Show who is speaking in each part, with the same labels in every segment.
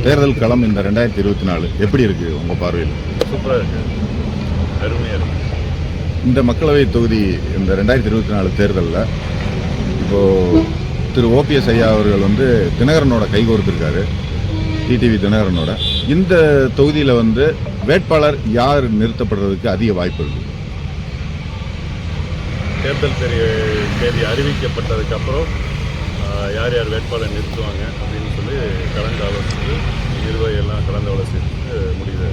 Speaker 1: தேர்தல் களம் இந்த 2024 எப்படி இருக்கு உங்க பார்வையில்?
Speaker 2: சூப்பராக இருக்கு, அருமையாக இருக்கு.
Speaker 1: இந்த மக்களவை தொகுதி இந்த 2024 தேர்தலில் இப்போ திரு ஓபிஎஸ் ஐயா அவர்கள் வந்து தினகரனோட கைகோர்த்திருக்காரு, டிடிவி தினகரனோட. இந்த தொகுதியில் வந்து வேட்பாளர் யார் நிறுத்தப்படுறதுக்கு அதிக வாய்ப்பு இருக்கு?
Speaker 2: தேர்தல் தேதி அறிவிக்கப்பட்டதுக்கப்புறம் யார் யார் வேட்பாளர் நிறுத்துவாங்க அப்படின்னு சொல்லி கலந்து ஆலோசித்து நிர்வாகிகள்லாம் கலந்து ஆலோசித்து முடிவு.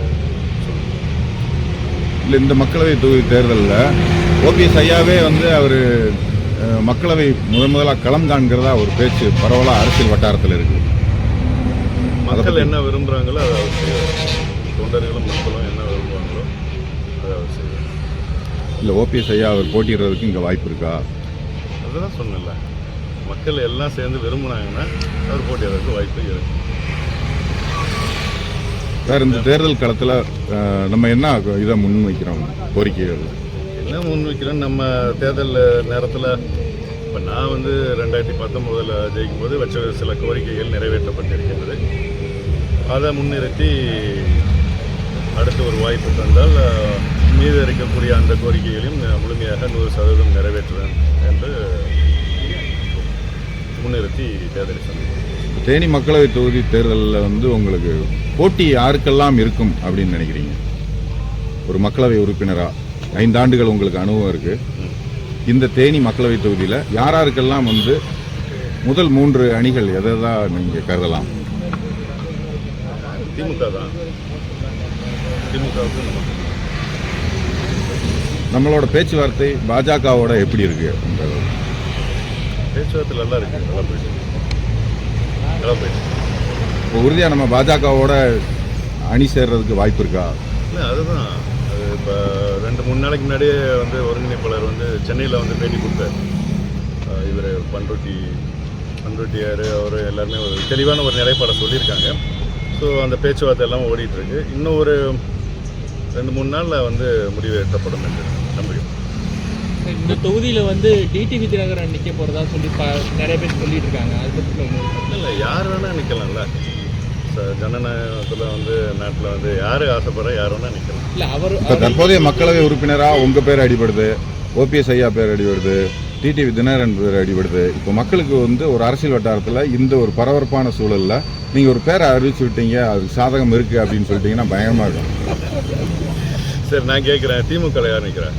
Speaker 1: இல்லை, இந்த மக்களவை தொகுதி தேர்தலில் ஓபிஎஸ் ஐயாவே வந்து அவர் மக்களவை முதலாக களம் காண்கிறதா ஒரு பேச்சு பரவலாக அரசியல் வட்டாரத்தில் இருக்குது.
Speaker 2: மக்கள் என்ன விரும்புகிறாங்களோ அதை அவர் செய்வார். தொண்டர்களும் மக்களும் என்ன விரும்புவாங்களோ அதை அவர் செய்வார்.
Speaker 1: இல்லை, ஓபிஎஸ் ஐயா அவர் போட்டிடுறதுக்கு இங்கே வாய்ப்பு இருக்கா?
Speaker 2: அதுதான் சொன்னல, மக்கள் எல்லாம் சேர்ந்து விரும்புனாங்கன்னா அவர் போட்டிடுறதுக்கு வாய்ப்பு இருக்கு.
Speaker 1: சார், இந்த தேர்தல் களத்தில் நம்ம என்ன இதை முன்வைக்கிறோம், கோரிக்கைகள்
Speaker 2: என்ன முன்வைக்கிறோம்? நம்ம தேர்தல் நேரத்தில் இப்போ நான் வந்து 2019 ஜெயிக்கும்போது வச்ச சில கோரிக்கைகள் நிறைவேற்றப்பட்டிருக்கின்றது. அதை முன்னிறுத்தி அடுத்த ஒரு வாய்ப்பு தந்தால் மீது இருக்கக்கூடிய அந்த கோரிக்கைகளையும் முழுமையாக 100% நிறைவேற்றுவேன் என்று முன்னிறுத்தி தேர்தலை சந்திப்போம்.
Speaker 1: தேனி மக்களவை தொகுதி தேர்தலில் வந்து உங்களுக்கு போட்டி யாருக்கெல்லாம் இருக்கும் அப்படின்னு நினைக்கிறீங்க? ஒரு மக்களவை உறுப்பினராக 5 ஆண்டுகள் உங்களுக்கு அனுபவம் இருக்குது. இந்த தேனி மக்களவை தொகுதியில் யாராருக்கெல்லாம் வந்து முதல் 3 அணிகள் எதை தான் நீங்கள் கருதலாம்?
Speaker 2: திமுக தான். திமுகவுக்கு
Speaker 1: நம்மளோட பேச்சுவார்த்தை பாஜகவோட எப்படி இருக்கு?
Speaker 2: பேச்சுவார்த்தை நல்லா இருக்கு, நல்லா போயிட்டு.
Speaker 1: இப்போ உறுதியாக நம்ம பாஜகவோட அணி சேர்றதுக்கு வாய்ப்பு இருக்கா?
Speaker 2: இல்லை, அதுதான். அது இப்போ 2-3 நாளைக்கு முன்னாடியே வந்து ஒருங்கிணைப்பாளர் வந்து சென்னையில் வந்து பேட்டி கொடுத்தார். இவர் பண்ருட்டியார் அவர் எல்லாருமே ஒரு தெளிவான ஒரு நிலைப்பாடை சொல்லியிருக்காங்க. ஸோ அந்த பேச்சுவார்த்தை எல்லாம் ஓடிட்டுருக்கு. இன்னும் ஒரு 2-3 நாளில் வந்து முடிவு எட்டப்படும் என்று நம்புகிறேன்.
Speaker 3: இந்த தொகுதியில் வந்து டிடிவி தினகரன் நிற்க போகிறதா சொல்லி நிறைய பேர் சொல்லிட்டு இருக்காங்க. அது பற்றி
Speaker 2: இல்லை, யார் வேணால் நிற்கலாம்ல. ஜனநாயகத்தில் வந்து நாட்டில் வந்து யார் ஆசைப்படுற யார் வேணால் நிற்கலாம்.
Speaker 3: இல்லை, அவர்
Speaker 1: இப்போ தற்போதைய மக்களவை உறுப்பினராக உங்கள் பேர் அடிபடுது, ஓபிஎஸ் ஐயா பேர் அடிபடுது, டிடிவி தினகரன் பேர் அடிபடுது. இப்போ மக்களுக்கு வந்து ஒரு அரசியல் வட்டாரத்தில் இந்த ஒரு பரபரப்பான சூழலில் நீங்கள் ஒரு பேரை அறிவிச்சு விட்டீங்க, அதுக்கு சாதகம் இருக்குது அப்படின்னு சொல்லிட்டீங்கன்னா பயங்கரமாக இருக்கும்.
Speaker 2: சரி, நான் கேட்குறேன், திமுக யார் நிற்கிறேன்?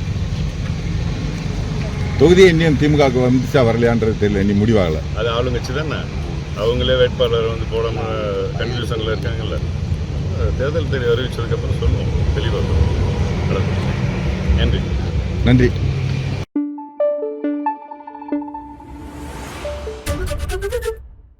Speaker 1: தொகுதியை இன்னும் திமுகவுக்கு வந்துச்சா வரலையான்றது தெரியல, இன்னும் முடிவாகலை.
Speaker 2: அது ஆளுங்கட்சி தானே, அவங்களே வேட்பாளர் வந்து போடாமல் கன்ஃபியூஷனில் இருக்காங்கல்ல. தேர்தல் தேதி அறிவிச்சதுக்கப்புறம் சொல்லுவோம், தெளிவாக சொல்லுவோம். நன்றி.
Speaker 1: நன்றி.